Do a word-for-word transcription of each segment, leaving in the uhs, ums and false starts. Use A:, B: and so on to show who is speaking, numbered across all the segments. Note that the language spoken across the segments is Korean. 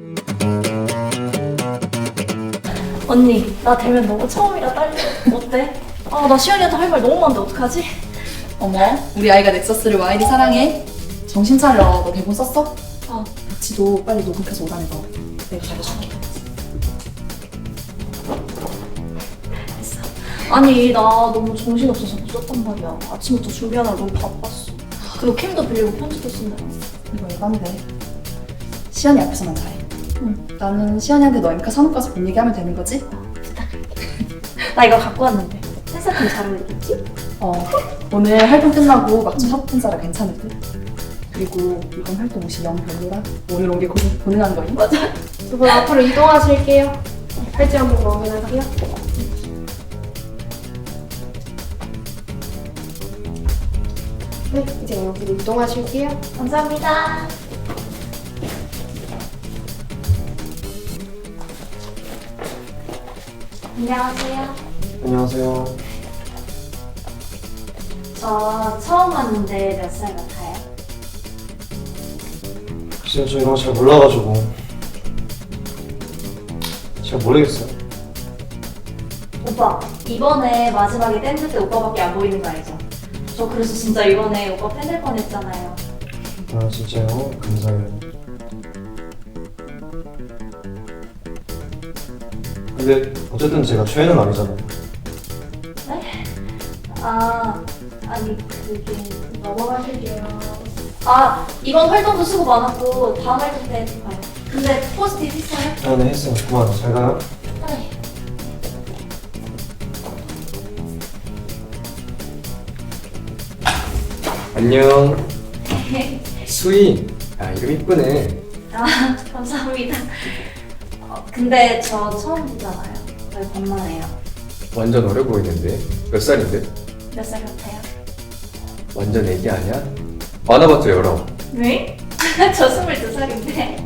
A: 언니, 나 대면 너무 처음이라 떨려. 어때? 아, 나 시연이한테 할 말 너무 많은데 어떡하지?
B: 어머, 우리 아이가 넥서스를 와이리 사랑해. 정신 차려. 너 대본 썼어?
A: 어.
B: 지도 빨리 녹음해서 오라는 거. 내가 잘해줄게.
A: 됐어. 아니, 나 너무 정신없어서 늦었단 말이야. 아침부터 준비하느라 너무 바빴어. 그리고 캠도 빌리고 편지도 쓴다.
B: 이거 에반데. 시연이 앞에서만 잘해.
A: 응.
B: 나는 시연이한테 너 엠카 산업 가서 본 얘기하면 되는 거지?
A: 부탁해. 나 이거 갖고 왔는데. 회사팀 잘 어울리겠지?
B: 어. 오늘 활동 끝나고 막주 협찬 사라 괜찮을 듯. 그리고 이번 활동 옷이 영 별로라. 오늘 온 게 고능한 거니?
A: 맞아.
C: 두 분 앞으로 이동하실게요. 팔찌 한번 확인할게요. 네, 이제 여기로 이동하실게요.
A: 감사합니다. 안녕하세요.
D: 안녕하세요.
A: 저 처음 왔는데 몇 살 같아요?
D: 글쎄요, 저 이런 거 잘 몰라가지고 잘 모르겠어요.
A: 오빠, 이번에 마지막에 댄스 때 오빠밖에 안 보이는 거 알죠? 저 그래서 진짜 이번에 오빠 팬 될 뻔했잖아요.
D: 아 진짜요? 감사해요. 근데 어쨌든 제가 최애는 아니잖아요.
A: 네? 아, 아니 그게 넘어가실게요. 아, 이번 활동도 수고 많았고 다음 활동 때 봐요. 근데 포스트잇 했어요?
D: 아 네 했어요. 고마워요. 잘 가요.
A: 네.
E: 안녕. 수희. 야, 이름 이쁘네.
A: 아, 감사합니다. 어, 근데 저 처음 보잖아요. 왜 반말해요?
E: 완전 어려 보이는데. 몇 살인데?
A: 몇 살 같아요?
E: 완전 애기 아니야? 많아봤자 열아홉.
A: 왜? 저 스물두 살인데.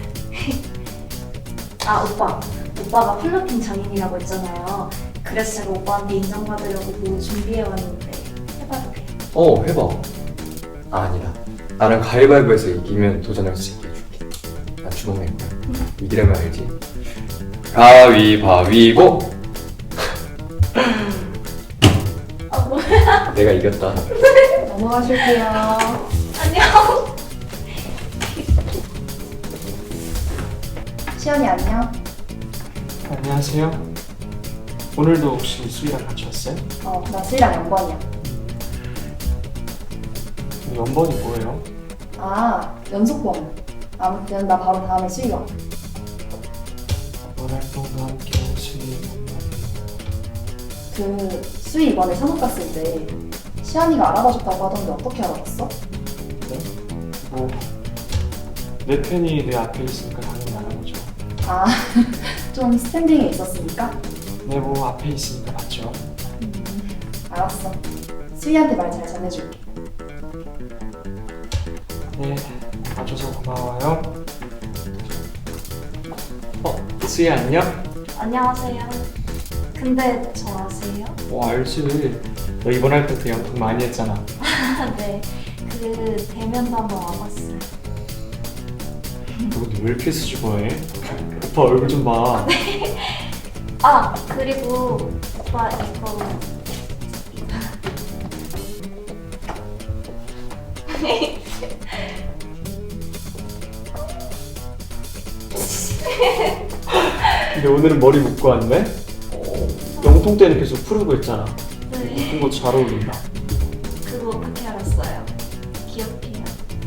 A: 아, 오빠. 오빠가 플러팅 장인이라고 했잖아요. 그래서 제가 오빠한테 인정받으려고 뭐 준비해왔는데 해봐도 돼요?
E: 어, 해봐. 아, 아니다. 나랑 가위바위보에서 이기면 도전할 수 있게 해줄게. 나 주먹 낼 거야. 이기려면 알지? 가위바위보!
A: 아, 뭐야?
E: 내가 이겼다.
C: 넘어가실게요.
A: 안녕.
B: 시연이 안녕.
F: 안녕하세요. 오늘도 혹시 수희랑 같이 왔어요?
B: 어, 나 수희랑 연번이야.
F: 연번이 뭐예요?
B: 아, 연속번. 아무튼 나 바로 다음에 수희 와.
F: 이번 활동도 함께 수희
B: 그 수희 이번에 산업 갔을 때 시연이가 알아봐줬다고 하던데 어떻게 알아봤어?
F: 뭐, 내 팬이 내 앞에 있으니까 당연히 알아보죠.
B: 아, 좀 스탠딩에 있었으니까?
F: 내 뭐 앞에 있으니까 맞죠.
B: 알았어. 수희한테 말 잘 전해줄게.
F: 네, 와줘서 고마워요. 어, 수희 안녕?
A: 안녕하세요. 근데 저 아세요?
F: 어, 알지. 너 이번 활동 때 연극 많이 했잖아.
A: 아, 네. 그 대면도 한번 와봤어요.
F: 너 근데 왜 이렇게 수줍어해? 오빠 얼굴 좀 봐.
A: 아, 그리고 오빠 이거
F: 근데 오늘은 머리 묶고 왔네? 영통 때는 계속 푸르고 했잖아.
A: 네.
F: 묶은 거 잘 어울린다.
A: 그거 어떻게 알았어요? 기억해요.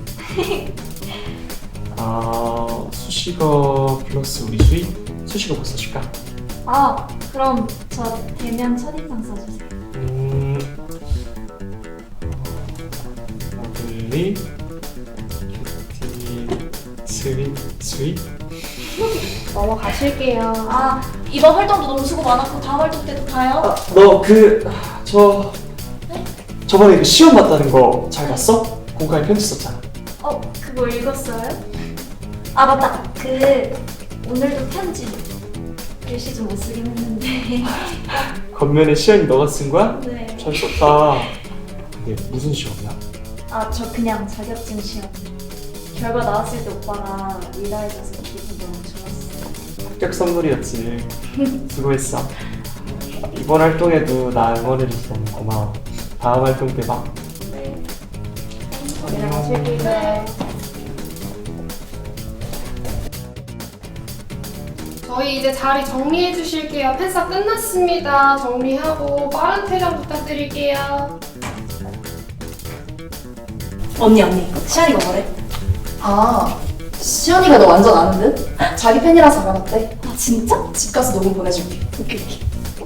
F: 아, 수식어 플러스 우리 수희? 수식어 뭐 써줄까?
A: 아, 그럼 저 대면 첫인상 써주세요.
F: 음... 러블리 큐티 스윗 스윗?
C: 넘어가실게요.
A: 아, 이번 활동도 너무 수고 많았고 다음 활동 때도 봐요.
F: 아, 너 그... 저... 저번에 그 시험 봤다는 거 잘 봤어? 공과에 편지 썼잖아.
A: 어, 그거 읽었어요? 아, 맞다. 그 오늘도 편지 글씨 좀 못 쓰긴 했는데.
F: 겉면에 시연이 너가 쓴 거야?
A: 네.
F: 잘 썼다. 근데 무슨 시험이야?
A: 아, 저 그냥 자격증 시험. 결과 나왔을 때 오빠랑 리라해줘서 기분 너무 좋았어.
F: 합격 선물이었지. 수고했어. 이번 활동에도 나 응원해줘서 너무 고마워. 다음 활동 때 봐.
A: 네.
C: 들어가실게요. 저희 이제 자리 정리해 주실게요. 팬사 끝났습니다. 정리하고 빠른 퇴장 부탁드릴게요.
A: 언니 언니 시안이가 뭐래?
B: 아, 시연이가 너 완전 아는 듯? 자기 팬이라서 알아봤대.
A: 아 진짜?
B: 집 가서 녹음 보내줄게.
A: 오케이 오케이.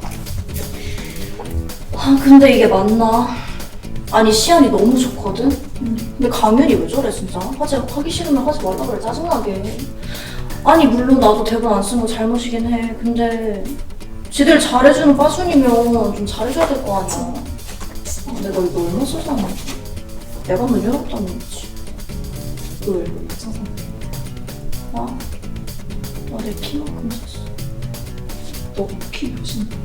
A: 아 근데 이게 맞나? 아니 시안이 너무 좋거든? 근데 강렬이 왜 저래 진짜? 하지 하기 싫으면 하지 말라 그래 짜증나게. 아니 물론 나도 대본 안 쓴 거 잘못이긴 해. 근데 지들 잘해주는 빠순이면 좀 잘해줘야 될 거 아니야. 아, 내가 이거 얼마 쓰잖아. 내가 너 외롭다는 거지.
B: 널 천상.
A: 아? 나 내 키만큼 썼어.
B: 너키 몇인데?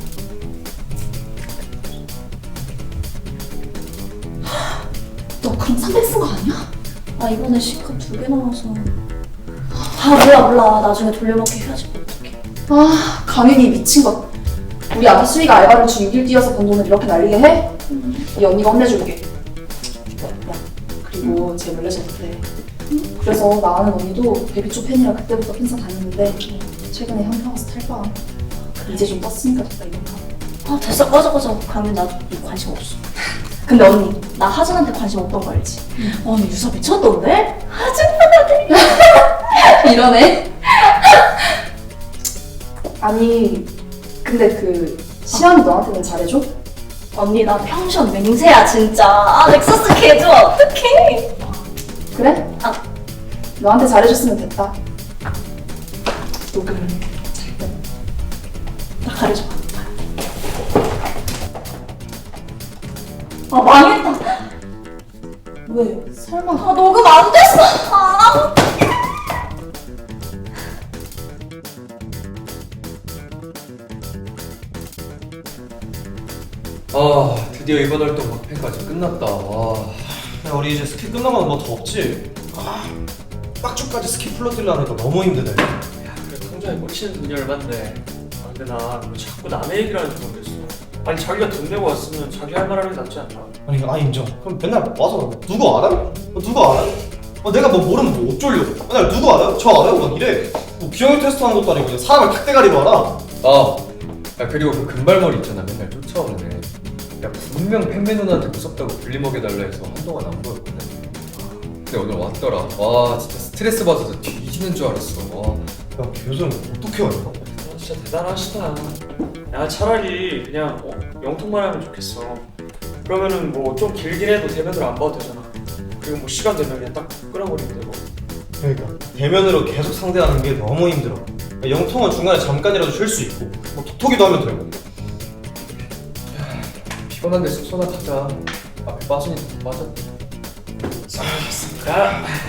B: 너 그럼 삼백 쓴 거 아니야?
A: 아 이번에 C컵 두 개 나와서. 아 몰라 몰라. 나중에 돌려먹기 헤어지면 어떡해.
B: 아, 강윤이 미친 것. 우리 아기 수희가 알바를 주 육 일 뛰어서 번 돈을 이렇게 날리게 해? 이 언니가 혼내줄게. 야, 그리고 쟤 몰래셨대. 그래서 나 아는 언니도 데뷔 초 팬이라 그때부터 팬사 다녔는데 최근에 현타 와서 탈바. 이제 좀 떴으니까 됐다 이건가.
A: 아 됐어 꺼져 꺼져. 강민 나도 관심 없어. 근데 언니 나 하준한테 관심 없던 거 알지? 어, 언니 유서 미쳤던데? 하준 팬한테
B: 이러네. 아니, 근데 그 시연이 너한테는 잘해줘?
A: 언니 나 평션 맹세야 진짜. 아 넥서스 개 좋아 어떡해.
B: 그래?
A: 아.
B: 너한테 잘해줬으면 됐다. 녹음 잘 때.
A: 나 가려줘. 아 망했다.
B: 왜? 설마.
A: 아 녹음 안 됐어. 아
E: 아 드디어 이번 활동 막판까지 끝났다. 와.
D: 야, 우리 이제 스킬 끝나면 뭐 더 없지? 아, 빡주까지 스킬 풀러뛰려니까 너무 힘드네.
G: 야, 그래 통장에 꽂히는 돈이 얼만데. 아, 근데 나왜 자꾸 남의 얘기를 하는지 모르겠어. 아니 자기가 돈 내고 왔으면 자기 할 말 하는 게 낫지 않나?
D: 아니, 아 인정. 그럼 맨날 와서 누구 알아? 어, 누구 알아? 어, 내가 뭐 모르면 뭐 어쩌려고? 맨날 누구 알아요? 저 알아요? 막 이래. 뭐 기억력 테스트 하는 것도 아니고 그냥 사람을 탁대가리로 알아.
E: 아, 야 그리고 그 금발머리 있잖아 맨날 쫓아오는 애. 야 분명 팬매 누나한테 무섭다고 불리 먹여달라 해서 한동안 안 보였거든. 근데 오늘 왔더라. 와 진짜 스트레스 받아서 뒤지는 줄 알았어. 와.
D: 야, 교수는 어떻게 왔냐?
G: 아, 진짜 대단하시다. 야 차라리 그냥 어, 영통만 하면 좋겠어. 그러면은 뭐 좀 길긴 해도 대면으로 안 봐도 되잖아. 그리고 뭐 시간 되면 그냥 딱 끊어버리면 되고.
D: 그러니까 대면으로 계속 상대하는 게 너무 힘들어. 영통은 중간에 잠깐이라도 쉴 수 있고 뭐 톡톡이도 하면 되고.
E: 피곤한데 숙소나 가자. 앞에 빠지니까 빠졌대.
G: 야